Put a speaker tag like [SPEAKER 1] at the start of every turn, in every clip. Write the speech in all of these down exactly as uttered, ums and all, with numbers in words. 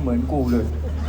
[SPEAKER 1] เหมือนกูเลย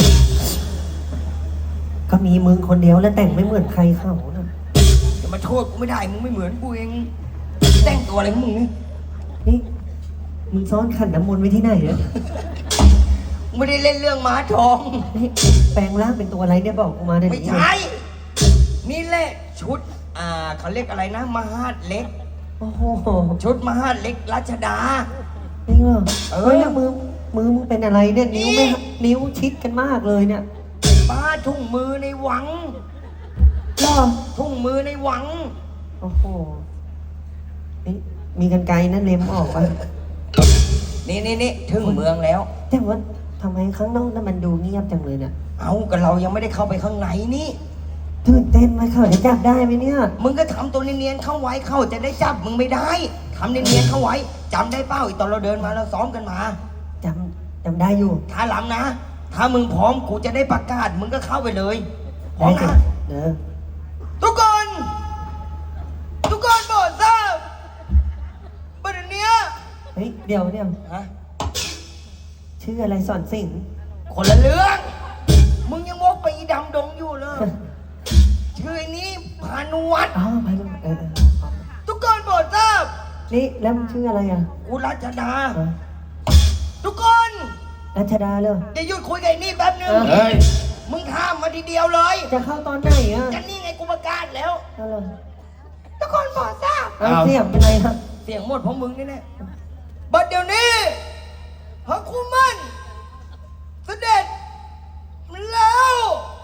[SPEAKER 2] ก็มีมึงคนเดียวแล้วแต่งไม่เหมือนใครเขานะ
[SPEAKER 1] จะมาโทษกูไม่ได้มึงไม่เหมือนกูเองแต่งตัวอะไรของมึงนี่
[SPEAKER 2] นี่มึงซ้อนขันน้ำมนต์ไว้ที่ไหนเนี่ย
[SPEAKER 1] ไม่ได้เล่นเรื่องม้าทอง
[SPEAKER 2] นี่แปลงร่างเป็นตัวอะไรเนี่ยบอกกูมาได้ไหม
[SPEAKER 1] ไม่ใช่นี่แหละชุดอ่าเขาเรียกอะไรนะมหาดเล็ก
[SPEAKER 2] โอ้โห
[SPEAKER 1] ชุดมหาดเล็กรัชดา
[SPEAKER 2] จริงเหรอเฮ้ยแล้วมือมือมึงเป็นอะไรเนี่ยนิ้วไม่นิ้วชิดกันมากเลยเนี่ย
[SPEAKER 1] ป้าทุ่งมือในหวัง
[SPEAKER 2] หรอ
[SPEAKER 1] ทุ่งมือในหวัง
[SPEAKER 2] โอ้โหนี่มีกันไกลนั่นเล็มออกไป
[SPEAKER 1] นี่นี่นี่ถึงเมืองแล้ว
[SPEAKER 2] แต่ว่าทำไมข้างนอกนั้นมันดูเงียบจังเลยเนี่ย
[SPEAKER 1] เอาก็เรายังไม่ได้เข้าไปข้างในนี่
[SPEAKER 2] ตื่นเต้นไหมเขาจะจับได้ไหมเนี่ย
[SPEAKER 1] มึงก็ทำตัวเนียนๆเข้าไว้เข้าจะได้จับมึงไม่ได้ทำเนียนๆเข้าไว้จำได้เป้าอีกตอนเราเดินมาเราซ้อมกันมา
[SPEAKER 2] จำจำได้อยู่
[SPEAKER 1] ถ้าหลังนะถ้ามึงพร้อมกูจะได้ประกาศมึงก็เข้าไปเลยพร้อมนะ
[SPEAKER 2] เออ
[SPEAKER 1] ทุกคนทุกคนโปรดทราบประเด็นเนี้ย
[SPEAKER 2] เฮ้ยเดี๋ยวเดี๋ยว
[SPEAKER 1] ฮะ
[SPEAKER 2] ชื่ออะไรสอนสิง
[SPEAKER 1] คนละเรื่องมึงยังวกไปอีดำดงอยู่เลยชื่อนี้พานุวัฒน์
[SPEAKER 2] อ๋อพานุวัฒน์เออ
[SPEAKER 1] ทุกคนโปรดทราบ
[SPEAKER 2] นี่แล้วมึงชื่ออะไรอ่ะ
[SPEAKER 1] กูรัชดาทุกคน
[SPEAKER 2] รัชดาเลย
[SPEAKER 1] จะหยุดคุยกับไอ้นี่แป๊บนึง
[SPEAKER 2] เฮ้ย
[SPEAKER 1] มึงข้ามมาทีเดียวเลย
[SPEAKER 2] จะเข้าตอนไหนอ่ะ
[SPEAKER 1] จะนี่ไงกูประกาศแล้วทุกคนโปรดทราบ
[SPEAKER 2] เสียงเป็นไรครับ
[SPEAKER 1] เสียงหมดเพราะมึงนี่แน่บัดเดี๋ยวนี้พระคุมันเสด็จแล้ว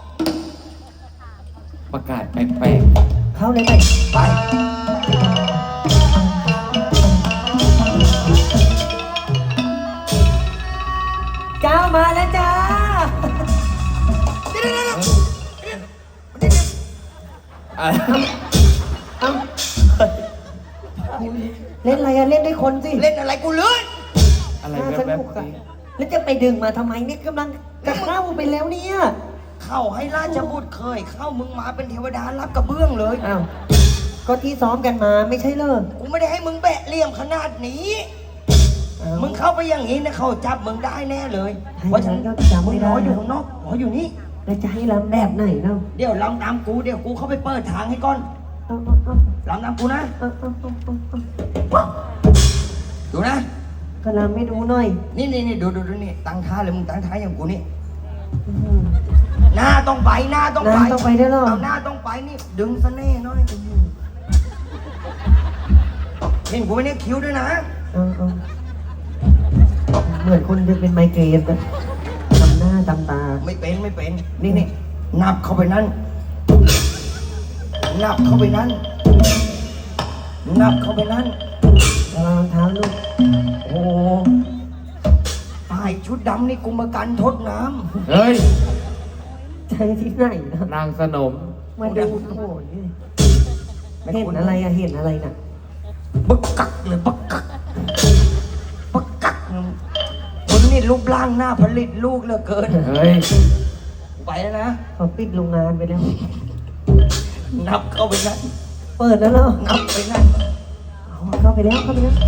[SPEAKER 3] ประกาศแปลก
[SPEAKER 2] ๆเข้าเลยไป
[SPEAKER 1] ไป
[SPEAKER 2] เจ้ามาแล้วจ้า
[SPEAKER 1] เดี๋ยวเดี๋ยวเดี๋ยว
[SPEAKER 2] เอ้าเล่นอะไรอะเล่นด้วยคนสิ
[SPEAKER 1] เล่นอะไรกูเลื่อน
[SPEAKER 3] อะไร
[SPEAKER 2] สนุกอะแล้วจะไปดึงมาทำไมเนี่ยกำลังจะเข้าไปแล้วเนี่ย
[SPEAKER 1] เข้าให้ราชบุตรเคยเข้ามึงมาเป็นเทวดารับกระเบื้องเลย
[SPEAKER 2] อ้าวก็ที่ซ้อมกันมาไม่ใช่เหรอ
[SPEAKER 1] กูไม่ได้ให้มึงแบะเหลี่ยมขนาดนี้มึงเข้าไปอย่างนี้นะเขาจับมึงได้แน่เลยเพราะฉะนั้นมึงรออยู่ข้างนอกรออยู่นี่
[SPEAKER 2] แล้วจะให้ลำแบบไหนเนาะ
[SPEAKER 1] เดี๋ยวลำตามกูเดี๋ยวกูเข้าไปเปิดทางให้ก่อนลำตามกูนะดูนะ
[SPEAKER 2] ก็ลำไม่ดูหน่อย
[SPEAKER 1] นี่นี่นี่ดูดูดูนี่ตั้งท่าเลยมึงตั้งท่าอย่างกูนี่หน้าต้องไปหน้าต้องไป
[SPEAKER 2] หน้าต้องไปได้หรอ
[SPEAKER 1] เอาหน้าต้องไปนี่ดึงเสน่ห์หน่อยเห็นกูไม่ได้คิ้วด้วยนะ
[SPEAKER 2] เหมือนคนจะเป็นไมเกรนอะทำหน้าทำตา
[SPEAKER 1] ไม่เป็นไม่เป็นนี่นี่นับเข้าไปนั่นนับเข้าไปนั่นนับเข้าไปนั่น
[SPEAKER 2] ระวังเท้าลูก
[SPEAKER 1] โอ้ตายชุดดำนี่กูมากันทดน้
[SPEAKER 3] ำเฮ้ย
[SPEAKER 2] ใจที่ไหนนะ
[SPEAKER 3] นางสนม
[SPEAKER 2] มาดูโอ้ยเห็นอะไรอะเห็นอะไรน่ะ
[SPEAKER 1] บักกักเลยบักกักบักกักคนนี่รูปร่างหน้าผลิตลูกเหลือเกิน
[SPEAKER 3] เฮ้ย
[SPEAKER 1] ไปแล้วนะ
[SPEAKER 2] เขาปิดโรงงานไปแล้ว
[SPEAKER 1] นับเข้าไปนั่น
[SPEAKER 2] เปิดแล้วเหรอ
[SPEAKER 1] นับไปนั่น
[SPEAKER 2] เข้าไปแล้วเข้าไปแล้ว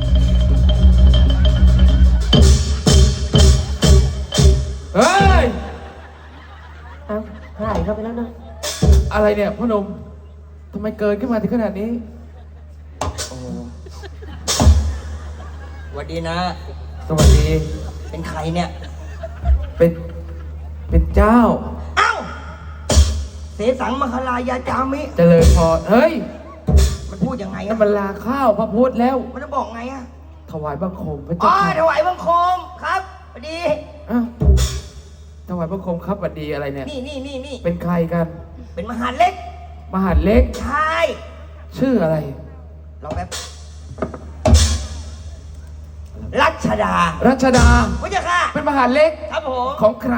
[SPEAKER 3] เฮ้ย
[SPEAKER 2] เอาหายเข้าไปแล้วนะ
[SPEAKER 3] อะไรเนี่ยพ่อหนุ่มทำไมเกินขึ้นมาถึงขนาดนี้โอ้
[SPEAKER 1] สวัสดีนะ
[SPEAKER 3] สวัสดี
[SPEAKER 1] เป็นใครเนี่ย
[SPEAKER 3] เป็นเป็นเจ้า
[SPEAKER 1] เอ้าเสสังมหาลายาจามิ
[SPEAKER 3] เจริญพรเฮ้ย
[SPEAKER 1] มันพูดยังไงอะ
[SPEAKER 3] มันลาข้าวพระพุทธแล้ว
[SPEAKER 1] มันจะบอกไงอะ
[SPEAKER 3] ถวายบังคมพระ
[SPEAKER 1] เจ้าอ๋อถวายบังคมครับสวัสดี
[SPEAKER 3] อ้าวถวายบังคมครับสวัสดีอะไรเนี่ย
[SPEAKER 1] นี่นี่นี่นี่
[SPEAKER 3] เป็นใครกัน
[SPEAKER 1] เป็นมหาเล็ก
[SPEAKER 3] มหาเล็ก
[SPEAKER 1] ใช่
[SPEAKER 3] ชื่ออะไร
[SPEAKER 1] ลองแบบรัชดา
[SPEAKER 3] รัชดา
[SPEAKER 1] พระเจ้าค่ะ
[SPEAKER 3] เป็นมหาเล็ก
[SPEAKER 1] ครับผม
[SPEAKER 3] ของใคร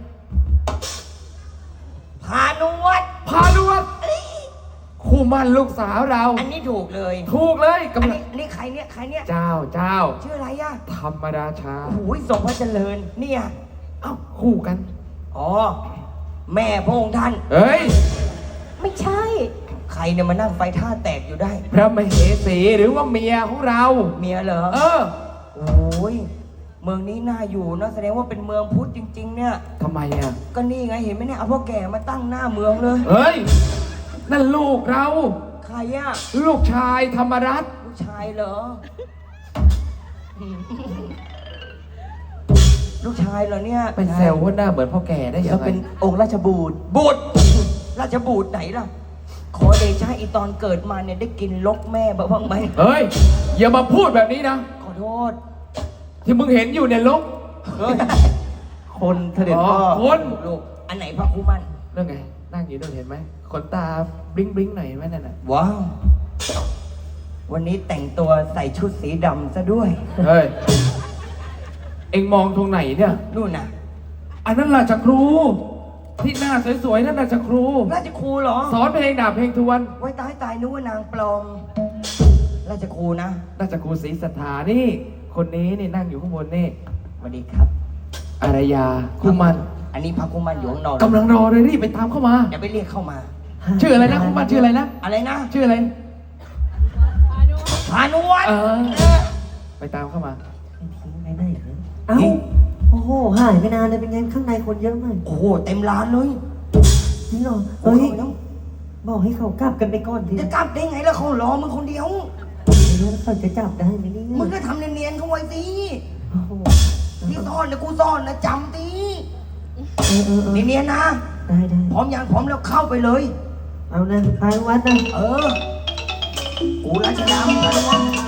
[SPEAKER 1] พานุวัฒน์
[SPEAKER 3] พานุวัฒน์คู่มั่นลูกสาวเรา
[SPEAKER 1] อันนี้ถูกเลย
[SPEAKER 3] ถูกเลย
[SPEAKER 1] กำลังนี่ใครเนี่ยใครเนี่ย
[SPEAKER 3] เจ้าเจ้า
[SPEAKER 1] ชื่ออะไรอะ
[SPEAKER 3] ธรรมดาชา
[SPEAKER 1] โอ้ยทรงพระเจริญเนี่ย
[SPEAKER 3] เอ้าคู่กัน
[SPEAKER 1] อ๋อแม่พระองค์ท่าน
[SPEAKER 3] เฮ้ย
[SPEAKER 2] ไม่ใช่
[SPEAKER 1] ใครเนี่ยมานั่งไฟท่าแตกอยู่ได้
[SPEAKER 3] พระมเหสีหรือว่าเมียของเรา
[SPEAKER 1] เมียเหรอ
[SPEAKER 3] เออ
[SPEAKER 1] โอ้ยเมืองนี้น่าอยู่นะแสดงว่าเป็นเมืองพุทธจริง ๆ เนี่ย
[SPEAKER 3] ทำไมอ่ะ
[SPEAKER 1] ก็นี่ไงเห็นไหมเนี่ยเอาพ่อแก่มาตั้งหน้าเมืองเลย
[SPEAKER 3] เฮ้ย นั่นลูกเรา
[SPEAKER 1] ใครอะ
[SPEAKER 3] ลูกชายธรรมรัตน์
[SPEAKER 1] ลูกชายเหรอ ลูกชายเหรอเนี่ย
[SPEAKER 3] เป็นเซลล์ว่าหน้าเหมือนพ่อแก่ได้ยัง
[SPEAKER 2] ก็
[SPEAKER 3] ไง
[SPEAKER 2] เป็นองค์ราชบูตร
[SPEAKER 1] บูดราชบูดไหนล่ะ ขอเดชะอีตอนเกิดมาเนี่ยได้กินลกแม่บ้างไหม
[SPEAKER 3] เฮ้ย อย่ามาพูดแบบนี้นะ
[SPEAKER 1] ขอโทษ
[SPEAKER 3] ที่มึงเห็นอยู่เนี่ยลก
[SPEAKER 1] เฮ้ย
[SPEAKER 2] คนเสด็จพ่อ
[SPEAKER 3] คน
[SPEAKER 1] ลูกอันไหนพระคุมัน
[SPEAKER 3] เรื่องไง นั่งอยู่นู่นเห็นไหมขนตาบลิงบลิงหน่อยเห็นไหมนั่นน่ะ
[SPEAKER 1] ว้าว วันนี้แต่งตัวใส่ชุดสีดำซะด้วย
[SPEAKER 3] เฮ้ย เอ็งมองตรงไหนเนี่ย
[SPEAKER 1] นู่นน่ะ
[SPEAKER 3] อันนั้นราชครู ที่หน้าสวยๆนั่นราชครู
[SPEAKER 1] ราชครูเหรอ
[SPEAKER 3] สอนเพลงดาบเพลงทวน
[SPEAKER 1] ไว้ตายตายนึกว่านางปลอม ราชครูนะ
[SPEAKER 3] ราชครูศรีสัทธานี่ คนนี้นี่นั่งอยู่ข้างบนนี่
[SPEAKER 1] สวัสดีครับ
[SPEAKER 3] อารยาคุมัน
[SPEAKER 1] อันนี้พระคุมันอยู่ข้างนอก
[SPEAKER 3] กำลังรอเลยรีบไปตามเข้ามา
[SPEAKER 1] เดี๋ยวไปเรียกเข้ามา
[SPEAKER 3] ชื่ออะไรนะคุมันชื่ออะไรนะ
[SPEAKER 1] อะไรนะ
[SPEAKER 3] ชื่ออะไร
[SPEAKER 1] พานุวัฒน์
[SPEAKER 3] เออ
[SPEAKER 1] เออ
[SPEAKER 3] ไปตามเข้ามา
[SPEAKER 2] ทิ้งไปไหนเหรอเอ้า โอ้โห หายไปนานเลยเป็นไงข้างในคนเยอะมาก
[SPEAKER 1] โอ้โหเต็มร้านเลย
[SPEAKER 2] จริงเหรอ
[SPEAKER 1] เฮ้
[SPEAKER 2] เฮ้
[SPEAKER 1] ย
[SPEAKER 2] ย บอกให้เขากลับกันไปก่อนที
[SPEAKER 1] จะกลับได้ไงล่ะเขารอมึงคนเดียว
[SPEAKER 2] แล้วเขาจะจับได้ไหมเนี่ย
[SPEAKER 1] มึงก็ทำเนียนๆเขาไว้สิ
[SPEAKER 2] โอ้โห
[SPEAKER 1] ที่ซ่อนนะกูซ่อนนะจำดิ
[SPEAKER 2] เออเออเออ
[SPEAKER 1] เนียนๆนะ
[SPEAKER 2] ได้ได้
[SPEAKER 1] พร้อมยังพร้อมแล้วเข้าไปเลย
[SPEAKER 2] เอานะพานุวัดนะ
[SPEAKER 1] เออ กูราชดำพานุวัฒน์